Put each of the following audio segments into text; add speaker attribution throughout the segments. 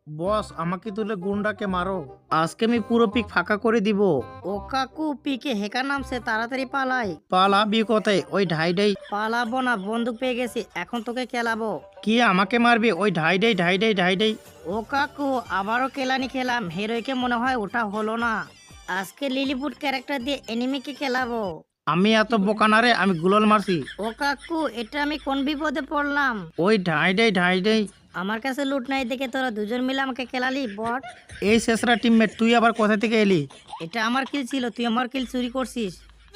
Speaker 1: বস আমাকে তুলে গুন্ডাকে মারো, আজকে আমি পুরো পিক ফাঁকা করে দিব।
Speaker 2: ও কাকু পিকে হেকার নামছে, তাড়াতাড়ি পালাই।
Speaker 1: পালাবি কোথায়? ওই ঢাইডাই।
Speaker 2: পালাবো না, বন্দুক পেয়ে গেছি, এখন তোকে কেলাবো।
Speaker 1: কি আমাকে মারবি? ওই ঢাইডাই ঢাইডাই ঢাইডাই।
Speaker 2: ও কাকু আবারও কেলানি খেলাম, হিরোইকে মনে হয় ওটা হলো না। আজকে লিলিপুট ক্যারেক্টার দিয়ে এনিমিকে খেলাবো।
Speaker 1: আমি এত বোকা না রে, আমি গুলল মারছি।
Speaker 2: ও কাকু এটা আমি কোন বিপদে পড়লাম?
Speaker 1: ওই ঢাইডাই ঢাইডাই।
Speaker 2: আমার কাছে লুট নাই দেখে তোরা দুজন মিলে আমাকে খেলালি বট।
Speaker 1: এই শেষরা টিমমেট, তুই আবার কোথা থেকে এলি?
Speaker 2: এটা আমার কিল ছিল, তুই আমার কিল চুরি করছিস।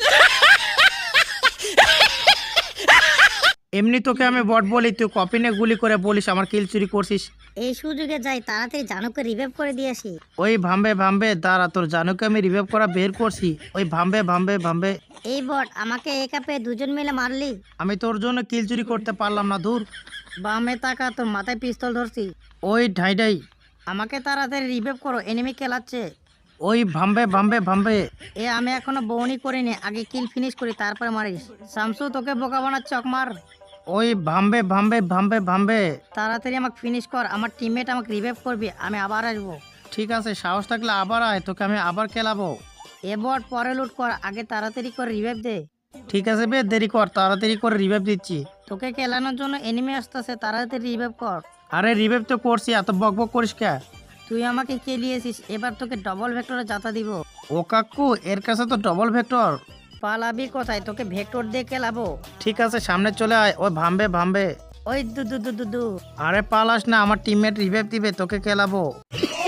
Speaker 1: এমনি তোকে আমি বট বলি, তুই কপি নিয়ে গুলি করে বলিস আমার কিল চুরি করছিস।
Speaker 2: এই সুযোগে যাই, তাড়াতাড়ি জানুকে রিভাইভ করে দিয়ে আসি।
Speaker 1: ওই ভাম্বে ভাম্বে দাঁড়া, তোর জানুকে আমি রিভাইভ করা বের করছি। ওই ভাম্বে ভাম্বে ভাম্বে।
Speaker 2: এই বট আমাকে একা পেয়ে দুজন মিলে মারলি।
Speaker 1: আমি তোর জন্য কিল চুরি করতে পারলাম না, দূর।
Speaker 2: বামে তাকা, তোর মাথায় পিস্তল ধরছি।
Speaker 1: ওই ঢাইডাই।
Speaker 2: আমাকে তাড়াতাড়ি রিভাইভ করো, এনিমি খেলাচ্ছে।
Speaker 1: ওই ভাম্বে ভাম্বে ভাম্বে।
Speaker 2: আমি এখনো বউনি করিনি, আগে কিল ফিনিশ করি তারপরে মারিস। শামসু তোকে বোকা বানাচ্ছে, চকমার।
Speaker 1: ওই ভাম্বে ভাম্বে ভাম্বে ভাম্বে।
Speaker 2: তাড়াতাড়ি আমাকে ফিনিশ কর, আমার টিমমেট আমাকে রিভাইভ করবি, আমি আবার আসবো।
Speaker 1: ঠিক আছে, সাহস থাকলে আবার আয়, তোকে আমি আবার খেলাবো।
Speaker 2: এ বট পরে লুট কর, আগে তাড়াতাড়ি করে রিভাইভ দে।
Speaker 1: ঠিক আছে বে, দেরি কর, তাড়াতাড়ি করে রিভাইভ দিচ্ছি।
Speaker 2: তোকে খেলানোর জন্য এনিমি আসতেছে, তাড়াতাড়ি রিভাইভ কর।
Speaker 1: আরে রিভাইভ তো করছি, এত বক বক করিস কে?
Speaker 2: তুই আমাকে খেলিয়েছিস, এবার তোকে ডবল ভেক্টরে যাতা দিব।
Speaker 1: ও কাকু, এর কাছে তো ডবল ভেক্টর।
Speaker 2: পালাবি কোথায়? তোকে ভেক্টর দিয়ে খেলাবো।
Speaker 1: ঠিক আছে, সামনে চলে আয়। ওই ভাম্বে ভাম্বে।
Speaker 2: ওই দু দু দু দু দু।
Speaker 1: আরে পালাস না, আমার টিমমেট রিভাইভ দিবে, তোকে খেলাবো।